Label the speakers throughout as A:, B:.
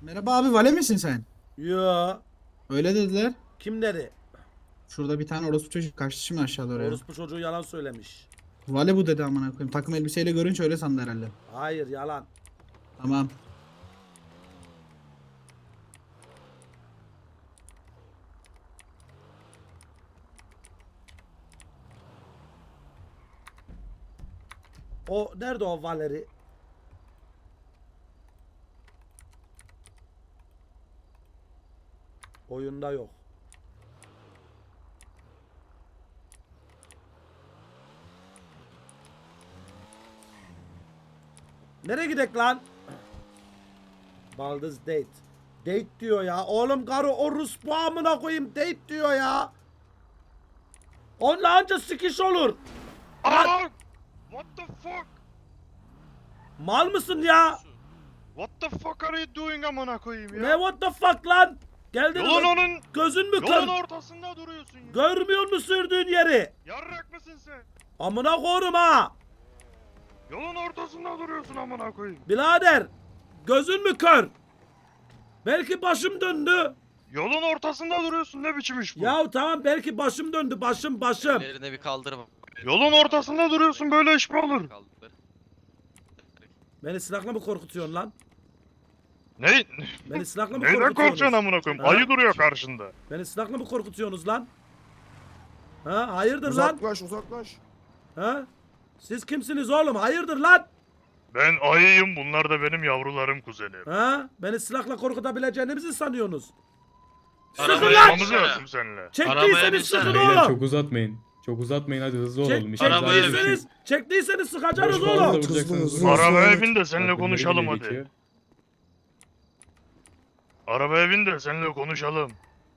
A: Merhaba abi, vale misin sen?
B: Yo.
A: Öyle dediler.
B: Kim dedi?
A: Şurada bir tane orospu çocuk kaçtı şimdi aşağı doğru ya.
B: Orospu çocuğu yalan söylemiş.
A: Vale bu dedi, amına koyayım. Takım elbiseyle görünce öyle sandı herhalde.
B: Hayır yalan.
A: Tamam.
B: O nerede o Valeri? Oyunda yok. Nereye gidek lan? Baldız date. Date diyor ya. Oğlum karı o Rus bu amına koyayım date diyor ya. Onunla anca sikiş olur.
C: Aa! What the fuck?
B: Mal mısın ya?
C: What the fuck are you doing amına koyayım ya?
B: Ne what the fuck lan? Geldin
C: Yolun
B: mi?
C: onun
B: Gözün mü
C: yolun
B: kör?
C: ortasında duruyorsun ya.
B: Görmüyor musun sürdüğün yeri?
C: Yarrak mısın sen?
B: Amına korum ha.
C: Yolun ortasında duruyorsun amına koyayım.
B: Birader. Gözün mü kör? Belki başım döndü.
C: Yolun ortasında duruyorsun, ne biçim iş bu?
B: Ya tamam belki başım döndü. Başım.
D: Ellerine bir kaldır bak.
C: Yolun ortasında duruyorsun, böyle iş mi olur?
D: Kaldır.
B: Beni silahla mı korkutuyorsun lan?
C: Ne?
B: Beni silahla mı
C: Neyden
B: korkutuyorsunuz?
C: korkacaksın amına koyayım?
B: Ha?
C: Ayı duruyor karşında.
B: Beni silahla mı korkutuyorsunuz lan? Ha? Hayırdır lan?
E: Uzaklaş.
B: Ha? Siz kimsiniz oğlum? Hayırdır lan?
C: Ben ayıyım, bunlar da benim yavrularım, kuzenim.
B: Ha? Beni silahla korkutabileceğinizi sanıyorsunuz? Sıkın
C: Arabaya
B: lan!
C: Konuşmamız lazım seninle.
B: Çektiyseniz sıkın
F: Beyler
B: oğlum.
F: çok uzatmayın. Çok uzatmayın, hadi hızlı olalım. İşimiz
D: arabaya
F: acil.
B: Çektiyseniz sıkacaksınız
F: Boş fazla
B: oğlum.
F: vuracaksınız.
E: Hızlı.
C: Arabaya bin de seninle
F: Bak, bunları
C: konuşalım
F: bile
C: hadi.
F: geçiyor.
C: Arabaya bin de seninle konuşalım.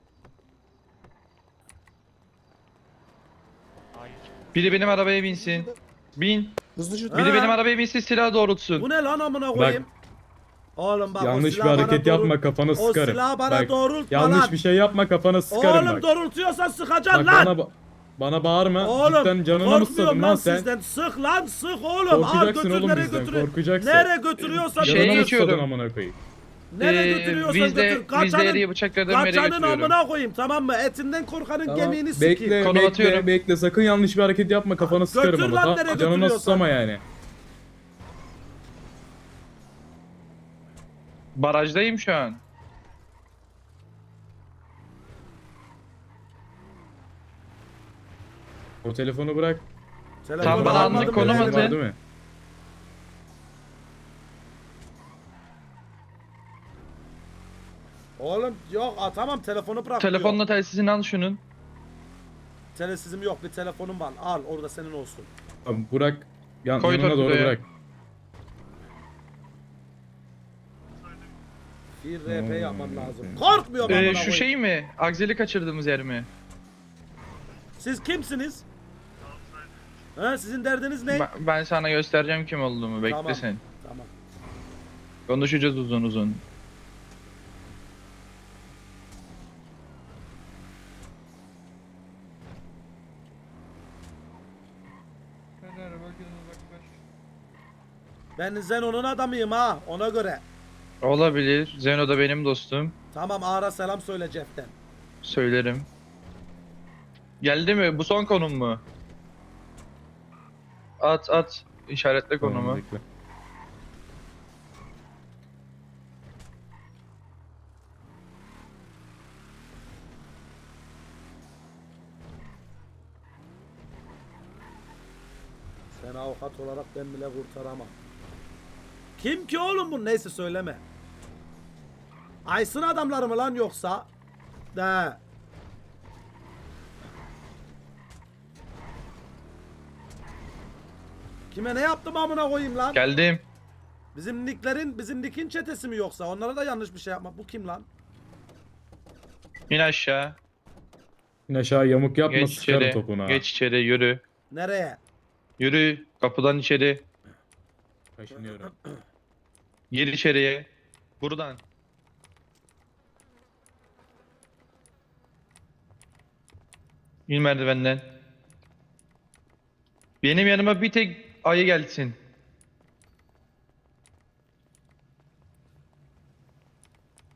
G: Biri benim arabaya binsin. Bin.
E: Hızlıca.
B: Ha?
G: Biri benim arabaya binsin, silah doğrultsun.
B: Bu ne lan amına koyayım? Oğlum bak o
F: Yanlış bir
B: silahı bana
F: hareket yapma, kafanı
B: O
F: sıkarım.
B: silahı bana
F: Bak,
B: doğrultma
F: yanlış
B: lan.
F: bir şey yapma, kafanı sıkarım
B: Oğlum
F: bak.
B: doğrultuyorsan sıkacaksın
F: Bak
B: lan.
F: bana bağırma.
B: Oğlum
F: Cidden canına mı
B: korkmuyorum
F: sıkadın
B: lan
F: lan sen?
B: sizden. Sık lan sık oğlum. Al
F: Korkacaksın
B: götür
F: oğlum
B: nereye
F: bizden,
B: götürüyor?
F: korkacaksın.
B: Nereye götürüyorsan
G: Şeye
F: Canına mı
B: götür.
G: geçiyorum.
F: sıkadın amına koyayım?
B: Nereye götürüyorsan
G: Vizde,
B: götür.
G: vizde eriye bıçakladım, nereye
B: Kaçanın
G: götürüyorum.
B: amına koyayım tamam mı? Etinden korkanın
F: Tamam,
B: gemiğini sikeyim.
F: bekle,
G: Konum
F: bekle,
G: atıyorum.
F: bekle. Sakın yanlış bir hareket yapma, kafanı sıkarım
B: Götür
F: ama.
B: lan,
F: Tamam,
B: nereye
F: canına
B: götürüyorsan.
F: susama yani.
G: Barajdayım şu an.
F: O telefonu bırak.
B: Telefonu
G: Tam bana
B: almadım
G: anlık
B: bile
G: konum
B: elime.
G: atın.
F: Var değil mi?
B: Oğlum yok tamam telefonu bırak.
G: Telefonla telsizini al şunun.
B: Telesizim yok bir telefonum var. Al orada senin olsun.
F: Tamam, bırak.
G: Koy
F: Yanına doğru
G: torpidoya.
F: bırak.
B: Bir RP yapmam lazım. Korkmuyorum amına
G: Şu
B: koyayım.
G: şey mi? Akzeli kaçırdığımız yer mi?
B: Siz kimsiniz? Ha sizin derdiniz ne?
G: Ben sana göstereceğim kim olduğumu. Bekle
B: Tamam.
G: sen.
B: Tamam.
G: Konuşacağız uzun uzun.
B: Ben Zeno'nun adamıyım ha ona göre.
G: Olabilir. Zeno da benim dostum.
B: Tamam ara selam söyle Jeff'ten.
G: Söylerim. Geldi mi? Bu son konum mu? At. İşaretle
F: Tamam,
G: konumu.
F: bekle.
B: Sen avukat olarak ben bile kurtaramam. Kim ki oğlum bu? Neyse söyleme. Aysın adamları mı lan yoksa? De. Kime ne yaptım amına koyayım lan?
G: Geldim.
B: Bizim Nick'in çetesi mi yoksa? Onlara da yanlış bir şey yapma. Bu kim lan?
G: İn aşağı.
F: İn aşağı, yamuk yapma,
G: Geç
F: sıkarım
G: içeri.
F: topuna.
G: Geç içeri yürü.
B: Nereye?
G: Yürü. Kapıdan içeri.
F: Kaşınıyorum.
G: Gir içeriye. Buradan. İn merdivenden. Benim yanıma bir tek ayı gelsin.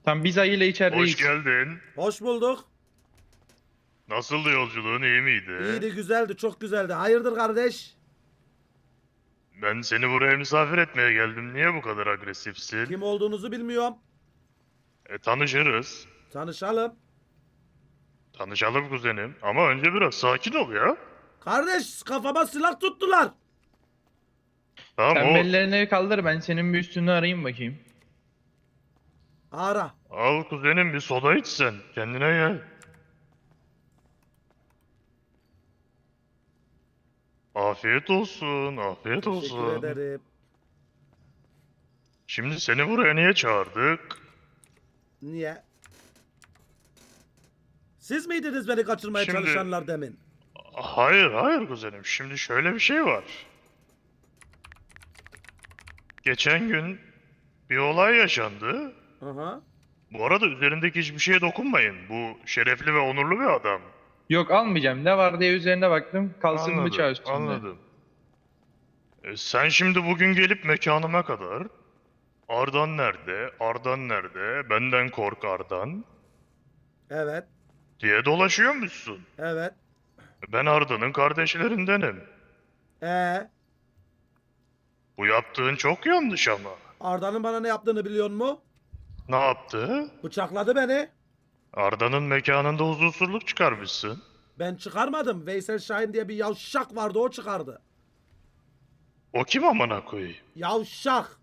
G: Tam biz ayıyla içerideyiz.
C: Hoş geldin.
B: Hoş bulduk.
C: Nasıldı yolculuğun, iyi miydi?
B: İyiydi, güzeldi, çok güzeldi. Hayırdır kardeş?
C: Ben seni buraya misafir etmeye geldim. Niye bu kadar agresifsin?
B: Kim olduğunuzu bilmiyorum.
C: Tanışırız.
B: Tanışalım.
C: Tanışalım kuzenim. Ama önce biraz sakin ol ya.
B: Kardeş, kafama silah tuttular.
C: Tamam
G: Sen
C: o.
G: bellerini kaldır, ben senin bir üstünü arayayım bakayım.
B: Ara.
C: Al kuzenim bir soda iç sen. Kendine gel. Afiyet olsun, afiyet
B: Teşekkür
C: olsun.
B: ederim.
C: Şimdi seni buraya niye çağırdık?
B: Niye? Siz miydiniz beni kaçırmaya
C: Şimdi-
B: çalışanlar demin?
C: Hayır, hayır kuzenim. Şimdi şöyle bir şey var. Geçen gün bir olay yaşandı.
B: Aha.
C: Bu arada üzerindeki hiçbir şeye dokunmayın. Bu şerefli ve onurlu bir adam.
G: Yok, almayacağım. Ne var diye üzerine baktım. Kalsın bıçağı üstünde.
C: Anladım. Sen şimdi bugün gelip mekanıma kadar Ardan nerede, Ardan nerede, benden kork Ardan
B: Evet.
C: diye dolaşıyormuşsun.
B: Evet.
C: Ben Arda'nın kardeşlerindenim.
B: Ee,
C: Bu yaptığın çok yanlış ama.
B: Arda'nın bana ne yaptığını biliyor musun?
C: Ne yaptı?
B: Bıçakladı beni.
C: Arda'nın mekanında huzursuzluk çıkarmışsın.
B: Ben çıkarmadım. Veysel Şahin diye bir yavşak vardı, o çıkardı.
C: O kim amına koyayım?
B: Yavşak.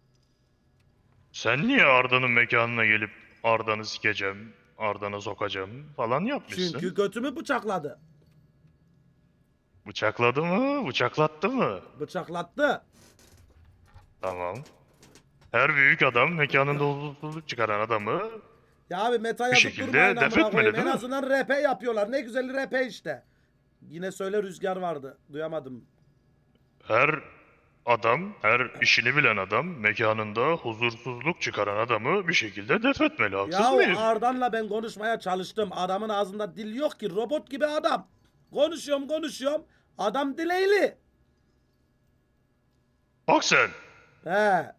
C: Sen niye Arda'nın mekanına gelip Arda'nı sikeceğim, Arda'nı sokacağım falan yapmışsın?
B: Çünkü götümü bıçakladı.
C: Bıçakladı mı, bıçaklattı mı?
B: Bıçaklattı.
C: Tamam. Her büyük adam mekanında huzursuzluk çıkaran adamı
B: Ya abi meta yazıp
C: şekilde
B: durmayın
C: def
B: amına
C: etmeli,
B: koyayım. En
C: değil mi?
B: azından RP yapıyorlar. Ne güzel RP işte. Yine söyle, rüzgar vardı. Duyamadım.
C: her adam, her işini bilen adam mekanında huzursuzluk çıkaran adamı bir şekilde def etmeli. Haksız
B: Ya
C: mıyım?
B: Ardan'la ben konuşmaya çalıştım. Adamın ağzında dil yok ki. Robot gibi adam. Konuşuyorum. Adam dileyli.
C: Bak sen.
B: He.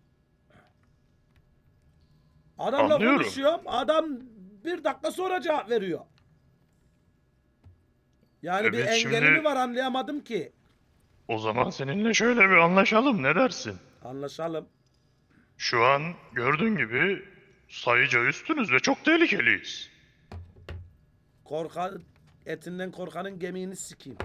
B: Adamla
C: Anlıyorum.
B: konuşuyorum. Adam bir dakika sonra cevap veriyor. Yani bir
C: Evet,
B: engeli
C: şimdi-
B: mi var anlayamadım ki.
C: O zaman seninle şöyle bir anlaşalım. Ne dersin?
B: Anlaşalım.
C: Şu an gördüğün gibi sayıca üstünüz ve çok tehlikeliyiz.
B: Etinden korkanın gemiğini sikeyim.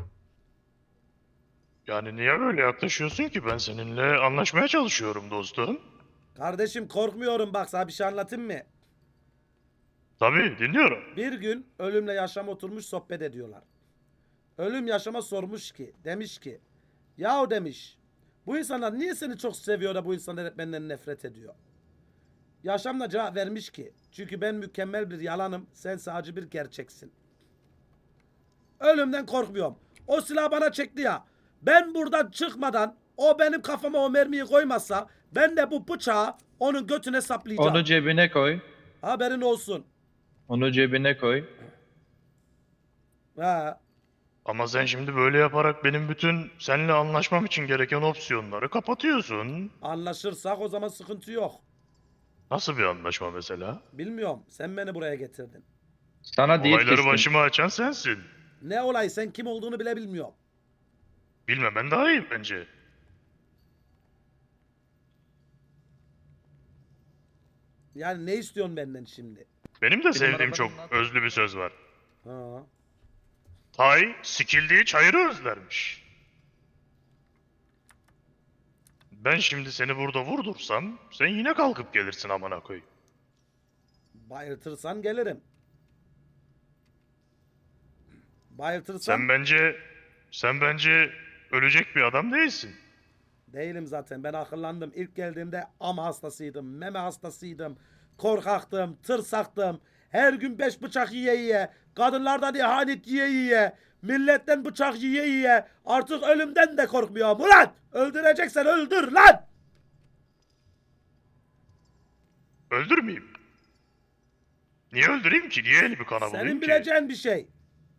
C: Yani niye böyle yaklaşıyorsun ki? Ben seninle anlaşmaya çalışıyorum dostum.
B: Kardeşim korkmuyorum, bak sana bir şey anlatayım mı?
C: Tabii dinliyorum.
B: Bir gün ölümle yaşam oturmuş sohbet ediyorlar. Ölüm yaşama sormuş ki, demiş ki, yahu demiş, bu insanlar niye seni çok seviyor da bu insanlar hep benden nefret ediyor? Yaşam da cevap vermiş ki, çünkü ben mükemmel bir yalanım, sen sadece bir gerçeksin. Ölümden korkmuyorum. O silah bana çekti ya, ben buradan çıkmadan o benim kafama o mermiyi koymazsa ben de bu bıçağı onun götüne saplayacağım.
G: Onu cebine koy.
B: Haberin olsun.
G: Onu cebine koy.
B: Ha.
C: Ama sen şimdi böyle yaparak benim bütün seninle anlaşmam için gereken opsiyonları kapatıyorsun.
B: Anlaşırsak o zaman sıkıntı yok.
C: Nasıl bir anlaşma mesela?
B: Bilmiyorum. Sen beni buraya getirdin.
G: Sana diyet
C: Olayları
G: kestim.
C: başıma açan sensin.
B: Ne olay, sen kim olduğunu bile bilmiyorum.
C: Bilmemen daha iyi bence.
B: Yani ne istiyorsun benden şimdi?
C: Benim de sevdiğim
G: arabanın
C: çok
G: altında-
C: özlü bir söz var.
B: Ha.
C: Tay sikildiği çayırı özlermiş. Ben şimdi seni burada vurdursam sen yine kalkıp gelirsin amına koy.
B: Bayıltırsan gelirim. Bayıltırsan
C: Sen bence ölecek bir adam değilsin.
B: değilim zaten. Ben akıllandım. İlk geldiğimde am hastasıydım. Meme hastasıydım. Korkaktım. Tırsaktım. Her gün 5 bıçak yiye. Kadınlardan ihanet yiye. Milletten bıçak yiye. Artık ölümden de korkmuyorum. Ulan! Öldüreceksen öldür lan!
C: Öldürmeyeyim. Niye öldüreyim ki? Niye elimi kana bulayım
B: Senin
C: ki?
B: bileceğin bir şey.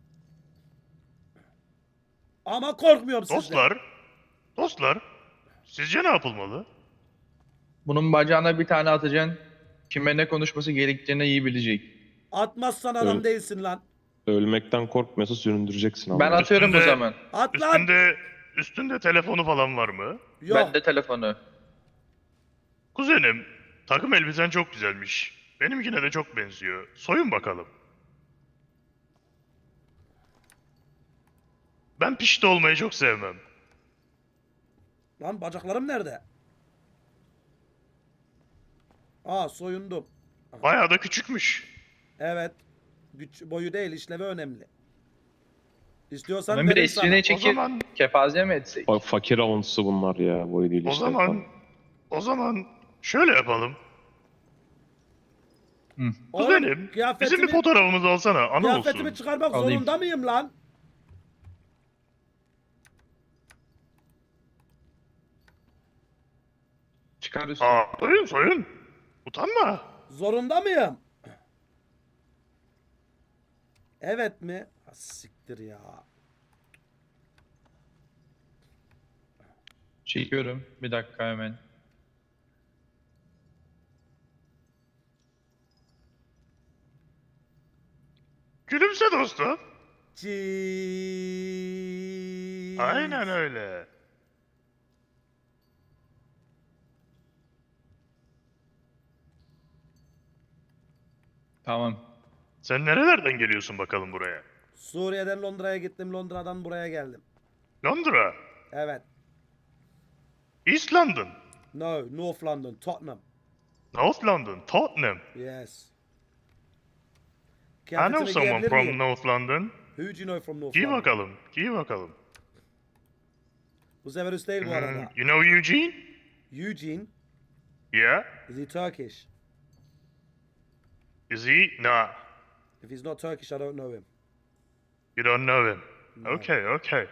B: Ama korkmuyorum sizden.
C: Dostlar, sizce ne yapılmalı?
G: Bunun bacağına bir tane atacaksın. Kime ne konuşması gerektiğini iyi bilecek.
B: Atmazsan adam
D: Evet.
B: değilsin lan.
D: Ölmekten korkmuyorsa süründüreceksin ama.
G: Ben atıyorum o
C: Üstünde-
G: zaman.
B: At lan.
C: Üstünde telefonu falan var mı?
B: Yok.
G: Bende telefonu.
C: Kuzenim, takım elbisen çok güzelmiş. Benimkine de çok benziyor. Soyun bakalım. Ben pişti olmayı çok sevmem.
B: Lan bacaklarım nerede? Aa soyundum.
C: Bayağı da küçükmüş.
B: Evet. Güç boyu değil, işlevi önemli. İstiyorsan
G: Ben bir
B: veririm sana.
G: resmini çekip
C: zaman-
G: kepaze mi etsek?
D: Fakir avuntusu bunlar ya. Boyu değil
C: O
D: işte.
C: zaman şöyle yapalım.
B: Oğlum,
C: Kuzenim, bizim bir fotoğrafımızı alsana, anı
B: kıyafetimi
C: olsun.
B: çıkarmak
G: Alayım.
B: zorunda mıyım lan?
G: Çıkar üstüne.
C: Soyun. Utanma.
B: Zorunda mıyım? Evet mi? Ha, siktir ya.
G: Çekiyorum. Bir dakika hemen.
C: Gülümse dostum.
B: Cheese.
C: Aynen öyle.
G: Tamam.
C: Sen nerelerden geliyorsun bakalım buraya?
B: Suriye'den Londra'ya gittim, Londra'dan buraya geldim.
C: Londra,
B: Evet.
C: East London,
B: No, North London, Tottenham.
C: North London, Tottenham.
B: Yes.
C: I know
B: Kıyafetimi
C: someone
B: giyebilir
C: from
B: miyim?
C: North London.
B: Who do you know from North
C: Giy
B: London?
C: bakalım, giy bakalım.
B: Bu sefer üst değil bu arada.
C: You know Eugene?
B: Eugene,
C: Yeah.
B: is he Turkish?
C: Is he? Nah.
B: If he's not Turkish, I don't know him.
C: You don't know him.
B: No.
C: Okay.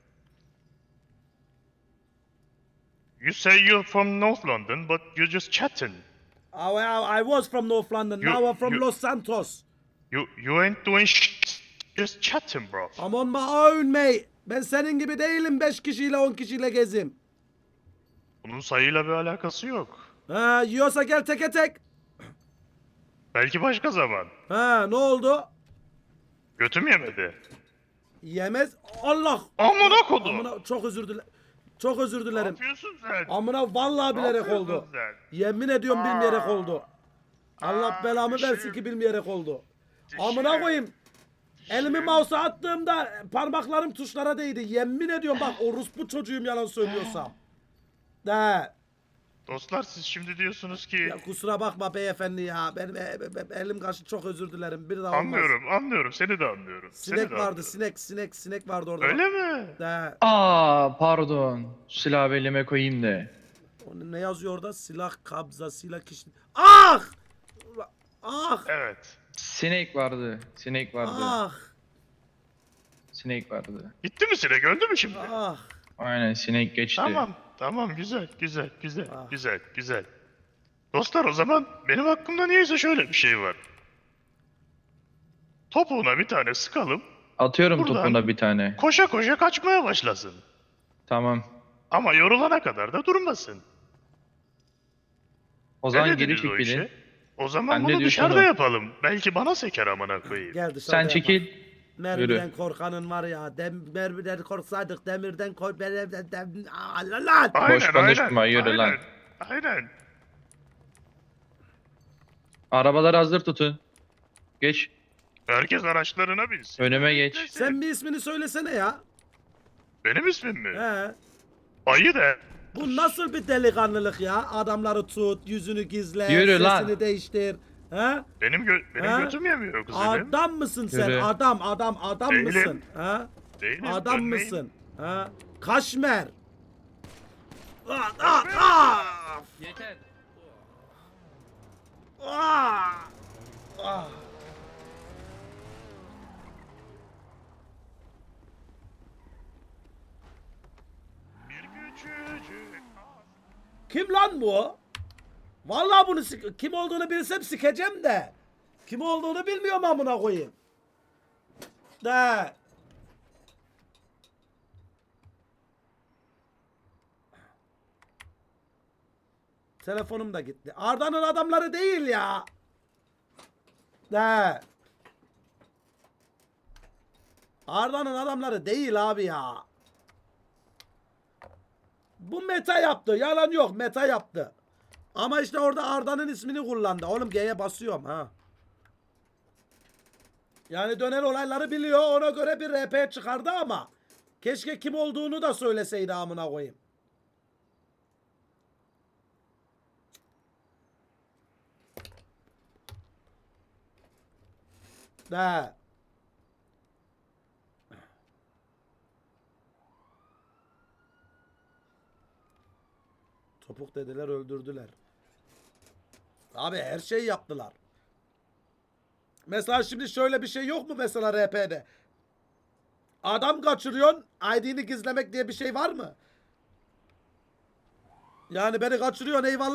C: You say you're from North London, but you're just chatting.
B: I was from North London,
C: You-
B: now I'm from
C: you-
B: Los Santos.
C: You ain't doing just chatting, bro.
B: I'm on my own mate. Ben senin gibi değilim 5 kişiyle 10 kişiyle gezim.
C: Bunun sayıyla bir alakası yok.
B: Ha, yiyorsa gel teke tek.
C: Belki başka zaman.
B: Ha, ne oldu?
C: Götüm yemedi.
B: Yemez. Allah.
C: Amına kodum.
B: Amına çok özür dilerim. Çok özür
C: Ne
B: dilerim.
C: yapıyorsun sen?
B: Amına vallahi
C: Ne
B: bilerek
C: yapıyorsun
B: oldu.
C: sen?
B: Yemin ediyorum bilmeyerek oldu. Allah belamı
C: düşün.
B: versin ki bilmeyerek oldu.
C: Düşün.
B: Amına koyayım. Elimi mouse'a attığımda parmaklarım tuşlara değdi. Yemin ediyorum bak orospu çocuğum yalan söylüyorsam. De.
C: Dostlar siz şimdi diyorsunuz ki
B: Ya kusura bakma beyefendi ya. Benim elim kaşı çok özür dilerim. Bir daha olmaz.
C: anlıyorum seni de anlıyorum.
B: Sinek
C: seni de
B: vardı,
C: anlıyorum.
B: sinek vardı orada.
C: Öyle mi?
B: De.
G: Pardon. Silahı elime koyayım da.
B: O ne yazıyor orada? Silah kabza, silah kişi. Ah! Ah!
C: Evet.
G: Sinek vardı. Sinek vardı.
B: Ah!
G: Sinek vardı.
C: Gitti mi sinek öldü mü şimdi?
B: Ah!
G: Aynen sinek geçti.
C: Tamam güzel
B: Ah.
C: güzel. Dostlar o zaman benim hakkımda niyeyse şöyle bir şey var. Topuğuna bir tane sıkalım.
G: Atıyorum
C: Buradan-
G: topuna bir tane.
C: Koşa koşa kaçmaya başlasın.
G: Tamam.
C: Ama yorulana kadar da durmasın.
G: O
C: Ne
G: zaman
C: dediniz
G: geri çek
C: o
G: beni.
C: işe? O zaman
G: Ben ne
C: bunu
G: diyorsam
C: dışarıda
G: o.
C: yapalım. Belki bana seker amına koyayım.
B: Gel dışarıda
G: Sen
B: yapalım.
G: çekil.
B: Mermiden korkanın var ya. Mermiden korksaydık demirden kork... Lan!
G: Boş konuşma, yürü lan.
C: Aynen.
G: Arabaları hazır tutun. Geç.
C: Herkes araçlarına binsin.
G: Önüme geç.
B: Sen bir ismini söylesene ya.
C: Benim ismim mi?
B: He.
C: Ayı de.
B: Bu nasıl bir delikanlılık ya? Adamları tut, yüzünü gizle,
G: Yürü lan.
B: sesini değiştir. He?
C: Benim
B: Ha?
C: götüm yemiyor kuzenim.
B: Adam mısın sen?
G: Yürü.
B: Adam
C: Değilim.
B: mısın? He?
C: Değilim,
B: Adam
C: dönmeyin.
B: mısın? Ha? Kaşmer. Ah!
G: Yeter.
B: Ah! Ah!
C: Bir küçücük.
B: Kim lan bu? Vallahi bunu kim olduğunu bilsem sikeceğim de. Kim olduğunu bilmiyorum amına koyayım. De. Telefonum da gitti. Arda'nın adamları değil ya. De. Arda'nın adamları değil abi ya. Bu meta yaptı. Yalan yok. Meta yaptı. Ama işte orada Arda'nın ismini kullandı. Oğlum G'ye basıyorum ha. Yani dönen olayları biliyor. Ona göre bir RP çıkardı ama keşke kim olduğunu da söyleseydi amına koyayım. De. Topuk dediler, öldürdüler. Abi her şeyi yaptılar. Mesela şimdi şöyle bir şey yok mu mesela RP'de? Adam kaçırıyorsun, ID'ni gizlemek diye bir şey var mı? Yani beni kaçırıyorsun, eyvallah.